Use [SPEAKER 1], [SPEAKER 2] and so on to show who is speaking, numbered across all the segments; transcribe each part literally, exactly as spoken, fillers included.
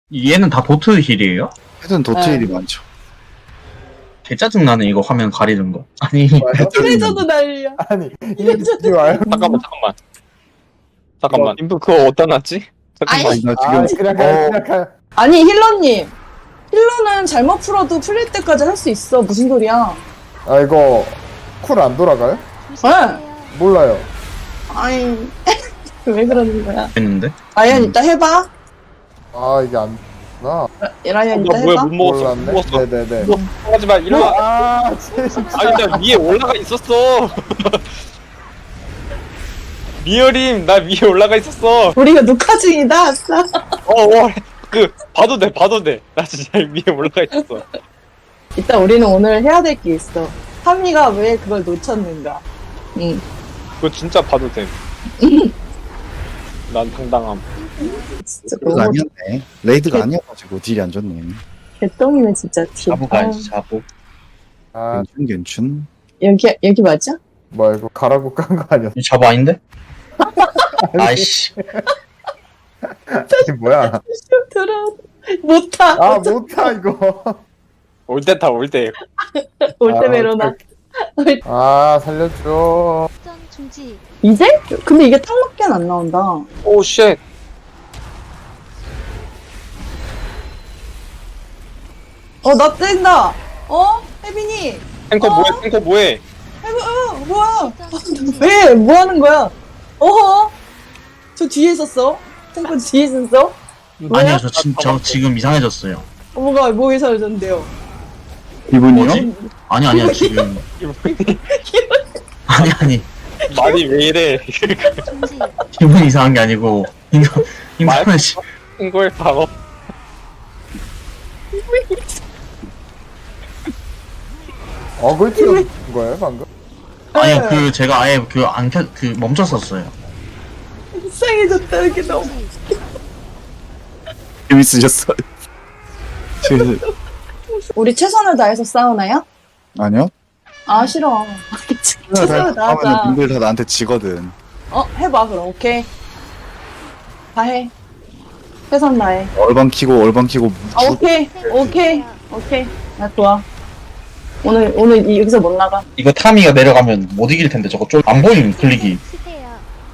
[SPEAKER 1] 얘는 다 도트 힐이에요?
[SPEAKER 2] 헤드는 도트일이 많죠.
[SPEAKER 1] 개 짜증나네 이거 화면 가리는 거. 아니
[SPEAKER 3] 트레저도 난리야.
[SPEAKER 4] 아니 이게 와요?
[SPEAKER 5] 잠깐만 잠깐만 잠깐만 인부 그거 어디다 놨지? 잠깐만
[SPEAKER 2] 아니, 나
[SPEAKER 4] 아
[SPEAKER 2] 지금
[SPEAKER 4] 그냥 가요
[SPEAKER 2] 어,
[SPEAKER 4] 그냥 가요.
[SPEAKER 3] 아니 힐러님, 힐러는 잘못 풀어도 풀릴 때까지 할 수 있어. 무슨 소리야?
[SPEAKER 4] 아 이거 쿨 안 돌아가요?
[SPEAKER 3] 네.
[SPEAKER 4] 몰라요.
[SPEAKER 3] 아니 왜 그러는 거야?
[SPEAKER 1] 했는데
[SPEAKER 3] 라이언 이따 해봐.
[SPEAKER 4] 아 이게 안 나.
[SPEAKER 3] 라이언 이따
[SPEAKER 5] 나 뭐야
[SPEAKER 3] 해봐.
[SPEAKER 5] 못 먹었어 못
[SPEAKER 4] 몰랐네.
[SPEAKER 5] 먹었어
[SPEAKER 4] 네네네.
[SPEAKER 5] 뭐 하지마 일로 와
[SPEAKER 4] 아 진짜.
[SPEAKER 5] 아니 나 위에 올라가 있었어 리얼임 나 위에 올라가 있었어
[SPEAKER 3] 우리가 녹화 중이다. 아싸.
[SPEAKER 5] 어어그 봐도 돼 봐도 돼나 진짜 위에 올라가 있었어
[SPEAKER 3] 이따 우리는 오늘 해야 될 게 있어. 타미가 왜 그걸 놓쳤는가? 응.
[SPEAKER 5] 그거 진짜 봐도 돼난 당당함
[SPEAKER 3] 진짜
[SPEAKER 2] 레이드가
[SPEAKER 3] 너무
[SPEAKER 2] 아니었네. 레이드가 아니어가지고 딜이 안 좋네.
[SPEAKER 3] 개똥이네 진짜. 티.
[SPEAKER 1] 자부 가야지 자부.
[SPEAKER 4] 아
[SPEAKER 2] 괜춘 괜춘.
[SPEAKER 3] 여기 여기 맞아?
[SPEAKER 4] 뭐야 이거 가라고 깐 거 아니었어?
[SPEAKER 1] 이 자부 아닌데? 아이씨
[SPEAKER 4] 이게 뭐야?
[SPEAKER 3] 들어. 못 타.
[SPEAKER 4] 아 못타 이거.
[SPEAKER 5] 올 때 타 올때
[SPEAKER 3] 올 때
[SPEAKER 4] 아,
[SPEAKER 3] 메로나.
[SPEAKER 4] 아 살려줘.
[SPEAKER 6] 전 중지.
[SPEAKER 3] 이제? 근데 이게 탕밖엔 안 나온다.
[SPEAKER 5] 오쉣
[SPEAKER 3] 어, 나 뗀다. 어? 혜빈이.
[SPEAKER 5] 탱커
[SPEAKER 3] 어?
[SPEAKER 5] 뭐해 탱커 뭐해
[SPEAKER 3] 혜빈, 어, 뭐야?
[SPEAKER 6] 전 중지.
[SPEAKER 3] 왜? 뭐 하는 거야? 어허? 저 뒤에 있었어? 탱크 뒤에 있었어? 뭐야?
[SPEAKER 1] 아니요 저, 지, 저 지금 이상해졌어요.
[SPEAKER 3] 어, 뭐가, 뭐 이상해졌는데요?
[SPEAKER 2] 이분이요?
[SPEAKER 1] 뭐지? 아니 아니야 지금 아니 아니
[SPEAKER 5] 말이 왜 이래
[SPEAKER 6] 중지.
[SPEAKER 1] 기분 이상한 게 아니고 인터 인터넷이
[SPEAKER 5] 이걸 바로
[SPEAKER 4] 어글 찍은 거예요 방금?
[SPEAKER 1] 아니 그 제가 아예 그 안 켜 그 멈췄었어요.
[SPEAKER 3] 이상해졌다는 게 너무.
[SPEAKER 6] 중지.
[SPEAKER 2] 재밌으셨어요? 지금
[SPEAKER 3] 우리 최선을 다해서 싸우나요?
[SPEAKER 2] 아니요?
[SPEAKER 3] 아, 싫어. 최선을
[SPEAKER 2] 하면
[SPEAKER 3] 다하자.
[SPEAKER 2] 님들 다 나한테 지거든.
[SPEAKER 3] 어, 해봐, 그럼. 오케이. 다 해. 최선 다해.
[SPEAKER 2] 얼방 키고 얼방 키고
[SPEAKER 3] 아, 오케이. 오케이. 오케이. 나 좋아. 오늘, 오늘 이- 여기서 못 나가.
[SPEAKER 1] 이거 타미가 내려가면 못 이길 텐데 저거 좀 안 보이는 클릭이.
[SPEAKER 6] 치세요.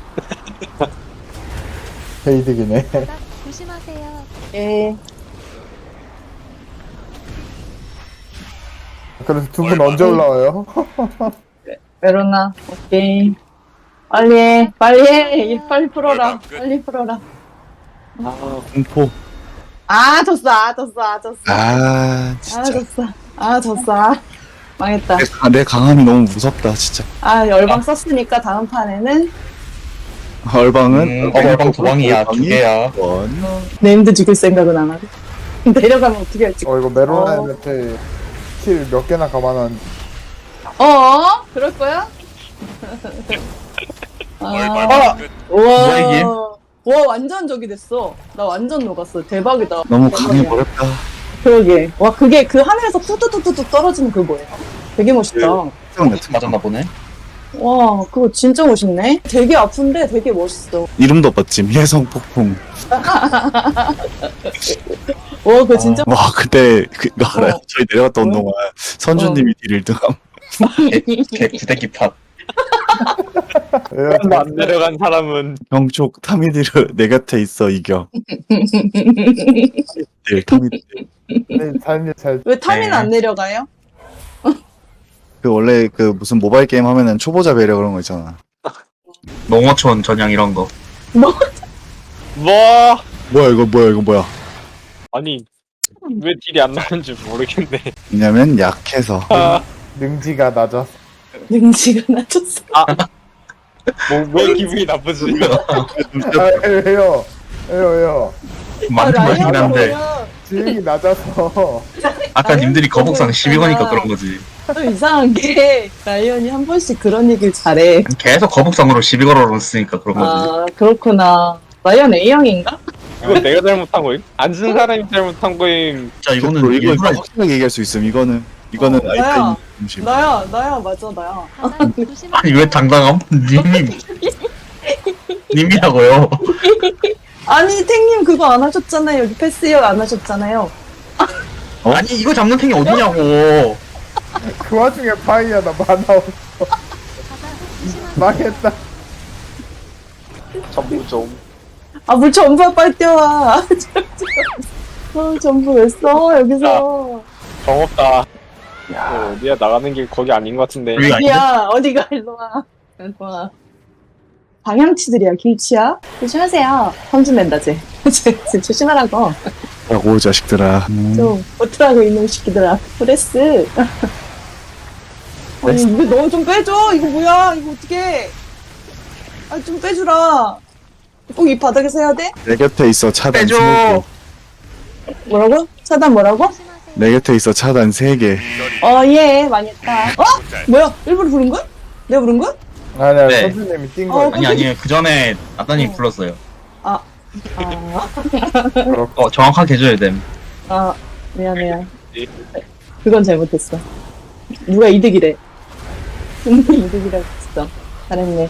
[SPEAKER 4] 헤이득이네.
[SPEAKER 6] 바닥 조심하세요.
[SPEAKER 3] 예.
[SPEAKER 4] 그래서 두 분 언제 올라와요?
[SPEAKER 3] 메로나. 오케이. 빨리 해. 빨리 해. 이 빨리 풀어라. 빨리 풀어라.
[SPEAKER 2] 아 공포.
[SPEAKER 3] 아, 졌어. 아, 졌어. 아, 졌어.
[SPEAKER 2] 아
[SPEAKER 3] 아,
[SPEAKER 2] 진짜
[SPEAKER 3] 졌어. 아, 졌어. 아, 망했다.
[SPEAKER 2] 내, 가- 내 강함이 너무 무섭다 진짜.
[SPEAKER 3] 아, 열방 썼으니까 다음 판에는
[SPEAKER 2] 얼방은
[SPEAKER 1] 음, 얼방 도방이야 두 개야.
[SPEAKER 2] 원.
[SPEAKER 3] 네임드 죽일 생각은 안 하고. 내려가면 어떻게 할지.
[SPEAKER 4] 어 이거 메로나한테 킬 몇 개나 감안한.
[SPEAKER 3] 어? 그럴 거야? 아,
[SPEAKER 1] 아!
[SPEAKER 3] 우와.
[SPEAKER 1] 뭐야, 이게?
[SPEAKER 3] 와, 완전 저기 됐어. 나 완전 녹았어. 대박이다.
[SPEAKER 2] 너무
[SPEAKER 3] 대박이야.
[SPEAKER 2] 강해버렸다.
[SPEAKER 3] 그러게. 와, 그게 그 하늘에서 뚜뚜뚜뚜뚜 떨어지는 그 뭐예요? 되게 멋있다.
[SPEAKER 2] 특
[SPEAKER 1] 맞았나 보네.
[SPEAKER 3] 와, 그거 진짜 멋있네. 되게 아픈데 되게 멋있어.
[SPEAKER 2] 이름도 멋짐. 혜성 폭풍.
[SPEAKER 3] 와, 그거 진짜.
[SPEAKER 2] 와 그때 그거 알아요?
[SPEAKER 3] 어.
[SPEAKER 2] 저희 내려갔던 동안 선주님이 딜 일 등함.
[SPEAKER 1] 개 구대기 팟.
[SPEAKER 4] 예,
[SPEAKER 5] 안 내려간 사람은
[SPEAKER 2] 형쪽 타미디르 내 곁에 있어 이겨. 딜 타미디.
[SPEAKER 4] 네, 잘, 잘.
[SPEAKER 3] 왜 타미는
[SPEAKER 1] 네.
[SPEAKER 3] 안 내려가요?
[SPEAKER 2] 그 원래 그 무슨 모바일 게임 하면은 초보자 배려 그런 거 있잖아.
[SPEAKER 1] 농어촌 전향 이런 거.
[SPEAKER 5] 뭐
[SPEAKER 2] 뭐야 이거 뭐야 이거 뭐야?
[SPEAKER 5] 아니 왜 딜이 안 나는지 모르겠네
[SPEAKER 2] 왜냐면 약해서.
[SPEAKER 5] 아,
[SPEAKER 4] 능지가 낮아.
[SPEAKER 3] 능지가 낮췄어.
[SPEAKER 5] 뭐, 왜 기분이 나쁘지
[SPEAKER 4] 아 왜요? 왜요 왜요?
[SPEAKER 1] 맞는 말이긴 한데
[SPEAKER 3] 뭐야.
[SPEAKER 4] 지능이 낮아서.
[SPEAKER 1] 아까
[SPEAKER 3] 라이언
[SPEAKER 1] 님들이 거북상 십이 거니까
[SPEAKER 3] 있잖아.
[SPEAKER 1] 그런 거지.
[SPEAKER 3] 또 이상한 게 라이언이 한 번씩 그런 얘기를 잘해.
[SPEAKER 1] 계속 거북상으로 시비 걸어놓으니까 그런 거지.
[SPEAKER 3] 아, 그렇구나. 라이언 A형인가?
[SPEAKER 5] 이건 내가 잘못한 거임? 안 쓴 사람이 잘못한 거임
[SPEAKER 1] 진짜 이거는
[SPEAKER 2] 이거 이거
[SPEAKER 1] 일부러
[SPEAKER 2] 확실하게 얘기할 수 있음. 이거는 이거는
[SPEAKER 3] 어,
[SPEAKER 2] 아이타임
[SPEAKER 3] 나야.
[SPEAKER 2] 음식.
[SPEAKER 3] 나야, 나야, 맞아, 나야.
[SPEAKER 6] 바닥 조심하세요.
[SPEAKER 1] 아니 왜 당당함? 님이 님이라고요.
[SPEAKER 3] 아니 탱님 그거 안 하셨잖아요. 여기 패스역 안 하셨잖아요.
[SPEAKER 2] 어?
[SPEAKER 1] 아니 이거 잡는 탱이 어디냐고.
[SPEAKER 4] 그 와중에 파이야 나 만화 없어.
[SPEAKER 6] 바다 조심하세요.
[SPEAKER 4] 망했다.
[SPEAKER 5] 전부 좀.
[SPEAKER 3] 아 물 전부 빨리 뛰어와. 어, 전부 왜 써 여기서.
[SPEAKER 5] 정없다. 어, 어디야 나가는 길 거기 아닌 것 같은데.
[SPEAKER 1] 여기가 아닌데?
[SPEAKER 3] 야 어디가 일로 와. 일로 와. 방향치들이야 길치야. 조심하세요. 험준 낸다 쟤. 쟤, 쟤 조심하라고.
[SPEAKER 2] 라고 자식들아. 음.
[SPEAKER 3] 좀 어떡하고 이놈 새끼들아. 프레스. 아니 이거 너 좀 빼줘. 이거 뭐야? 이거 어떻게? 아 좀 빼주라. 꼭 이 바닥에서 해야 돼?
[SPEAKER 2] 내 곁에 있어 차단
[SPEAKER 1] 빼줘.
[SPEAKER 2] 세 개.
[SPEAKER 3] 뭐라고? 차단 뭐라고?
[SPEAKER 6] 조심하세요.
[SPEAKER 2] 내 곁에 있어 차단 세 개.
[SPEAKER 3] 어, 예, 많이 했다. 어? 뭐야? 일부러 부른 거야? 내가 부른 거야?
[SPEAKER 4] 아니야
[SPEAKER 1] 네.
[SPEAKER 4] 선생님이 뛴
[SPEAKER 3] 어,
[SPEAKER 4] 거야.
[SPEAKER 1] 아니 아니 그 전에 아따님 불렀어요.
[SPEAKER 3] 아,
[SPEAKER 1] 어 정확하게 해줘야 됨.
[SPEAKER 3] 아, 미안해요. 그건 잘못했어. 누가 이득이래. 누가 이득이라고 했어. 잘했네.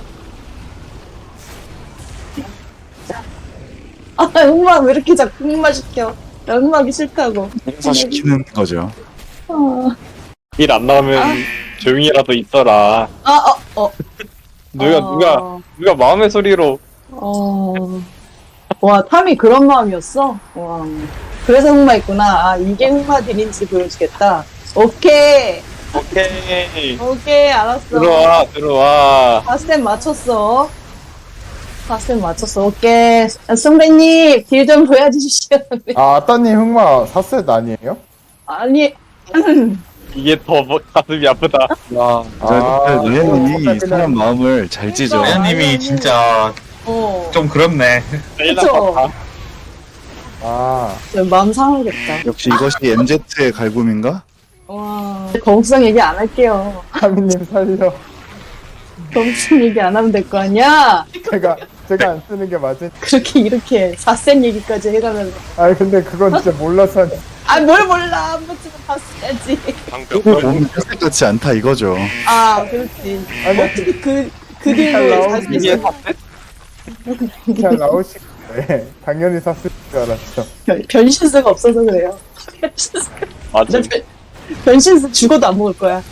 [SPEAKER 3] 아, 흑막 왜 이렇게 자꾸 흑막 시켜? 나 흑막이 싫다고.
[SPEAKER 2] 행사시키는 거죠.
[SPEAKER 3] 아,
[SPEAKER 5] 일 안 나오면
[SPEAKER 3] 아.
[SPEAKER 5] 조용히라도 있어라.
[SPEAKER 3] 아, 어, 어.
[SPEAKER 5] 누가
[SPEAKER 3] 어,
[SPEAKER 5] 누가 누가 마음의 소리로.
[SPEAKER 3] 어. 와, 탐이 그런 마음이었어? 와. 그래서 흑마 있구나. 아, 이게 흑마 딜인지 보여주겠다. 오케이.
[SPEAKER 5] 오케이.
[SPEAKER 3] 오케이, 알았어.
[SPEAKER 5] 들어와 들어와.
[SPEAKER 3] 파스템 맞췄어. 파스템 맞췄어. 오케이. 선배님, 딜 좀 보여주시오.
[SPEAKER 4] 아 아따님 흑마 사셋 아니에요?
[SPEAKER 3] 아니,
[SPEAKER 5] 이게 더 뭐- 가슴이 아프다. 와.
[SPEAKER 4] 아,
[SPEAKER 2] 레연님이
[SPEAKER 4] 그냥-
[SPEAKER 2] 사람 마음을 잘 찢어.
[SPEAKER 3] 그러니까.
[SPEAKER 1] 레아님이
[SPEAKER 3] 아니,
[SPEAKER 1] 진짜
[SPEAKER 3] 어.
[SPEAKER 1] 좀 그렇네.
[SPEAKER 5] 제일
[SPEAKER 3] 그쵸.
[SPEAKER 5] 아파.
[SPEAKER 4] 아
[SPEAKER 3] 저 마음 상하겠다.
[SPEAKER 2] 역시 이것이 엠제트의 갈굼인가?
[SPEAKER 3] 와. 거북상 얘기 안 할게요.
[SPEAKER 4] 하미님 살려.
[SPEAKER 3] 거북상 얘기 안 하면 될 거 아니야?
[SPEAKER 4] 제가 제가 안 쓰는 게 맞지?
[SPEAKER 3] 그렇게 이렇게 사센 얘기까지 해가면서.
[SPEAKER 4] 아 근데 그건 진짜 몰라서 하니.
[SPEAKER 3] 아, 뭘 몰라. 한 번쯤은 봤어야지.
[SPEAKER 2] 이거 보면 혈색 같지 않다 이거죠.
[SPEAKER 3] 아, 그렇지.
[SPEAKER 4] 아니
[SPEAKER 3] 어떻게 그, 그
[SPEAKER 4] 잘
[SPEAKER 3] 딜로
[SPEAKER 4] 나오긴
[SPEAKER 3] 살수
[SPEAKER 5] 이게
[SPEAKER 3] 있어?
[SPEAKER 4] 잘 나오실 거예요. 당연히 샀을 줄 알았죠.
[SPEAKER 3] 변- 변신수가 없어서 그래요. 변신수.
[SPEAKER 5] 맞아.
[SPEAKER 3] 나 변, 변신수 죽어도 안 먹을 거야.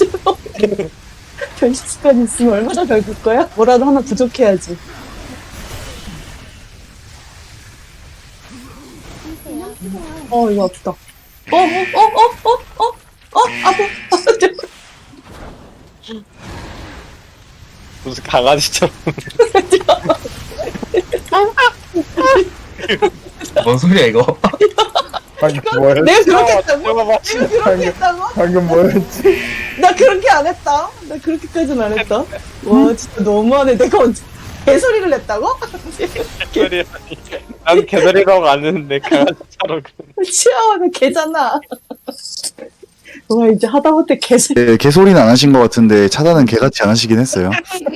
[SPEAKER 3] 변신수까지 있으면 얼마나 별걸 거야? 뭐라도 하나 부족해야지. 어, 이거 아프다. 어, 어, 어, 어, 어, 어, 어, 아파.
[SPEAKER 5] 무슨 강아지처럼.
[SPEAKER 1] 뭔 소리야 이거?
[SPEAKER 4] 방금 뭐였지?
[SPEAKER 3] 내가 그렇게 했다고?
[SPEAKER 5] 잡아봐.
[SPEAKER 3] 내가 그렇게 했다고?
[SPEAKER 4] 방금 뭐였지?
[SPEAKER 3] 나 그렇게 안 했다. 나 그렇게까지는 안 했다. 와, 진짜 너무하네. 내가 언제 개소리를 냈다고?
[SPEAKER 5] 개소리 아니. 난 개소리라고 안 했는데 강아지처럼.
[SPEAKER 3] 치아와, 나 개잖아. 와, 이제 하다못해 개소리.
[SPEAKER 2] 네, 개소리는 안 하신 것 같은데 차단은 개같이 안 하시긴 했어요.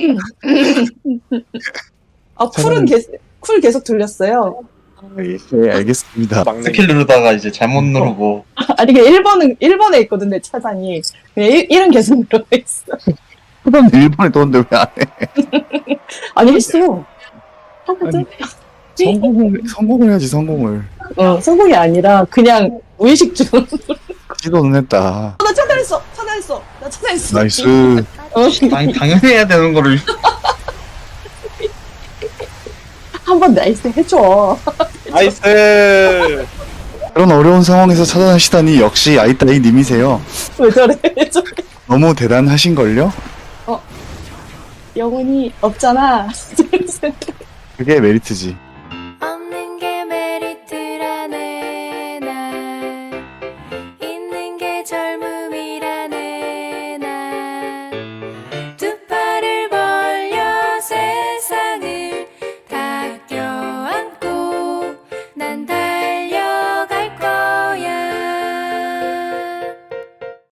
[SPEAKER 3] 아, 쿨은 개, 쿨 계속 돌렸어요.
[SPEAKER 2] 네, 알겠습니다.
[SPEAKER 5] 막내.
[SPEAKER 1] 스킬 누르다가 이제 잘못 누르고.
[SPEAKER 3] 아니, 그 일 번은, 일 번에 있거든, 내 차단이. 그냥 일, 일은 계속 들어있어.
[SPEAKER 2] 차단 일본에 떴는데 왜 안 해?
[SPEAKER 3] 아니, 했어. 하거든?
[SPEAKER 2] 성공을, 성공을 해야지 성공을.
[SPEAKER 3] 어, 성공이 아니라, 그냥 무의식 중으로.
[SPEAKER 2] 시도는 했다.
[SPEAKER 3] 나 차단했어! 차단했어! 나 차단했어!
[SPEAKER 2] 나이스.
[SPEAKER 3] 어,
[SPEAKER 1] 당, 당연히 해야 되는 거를.
[SPEAKER 3] 한번 나이스 해줘.
[SPEAKER 5] 나이스.
[SPEAKER 2] 그런 어려운 상황에서 차단하시다니 역시 아이따이 님이세요.
[SPEAKER 3] 왜 저래? 왜 저래?
[SPEAKER 2] 너무 대단하신걸요?
[SPEAKER 3] 영혼이 없잖아.
[SPEAKER 2] 그게 메리트지.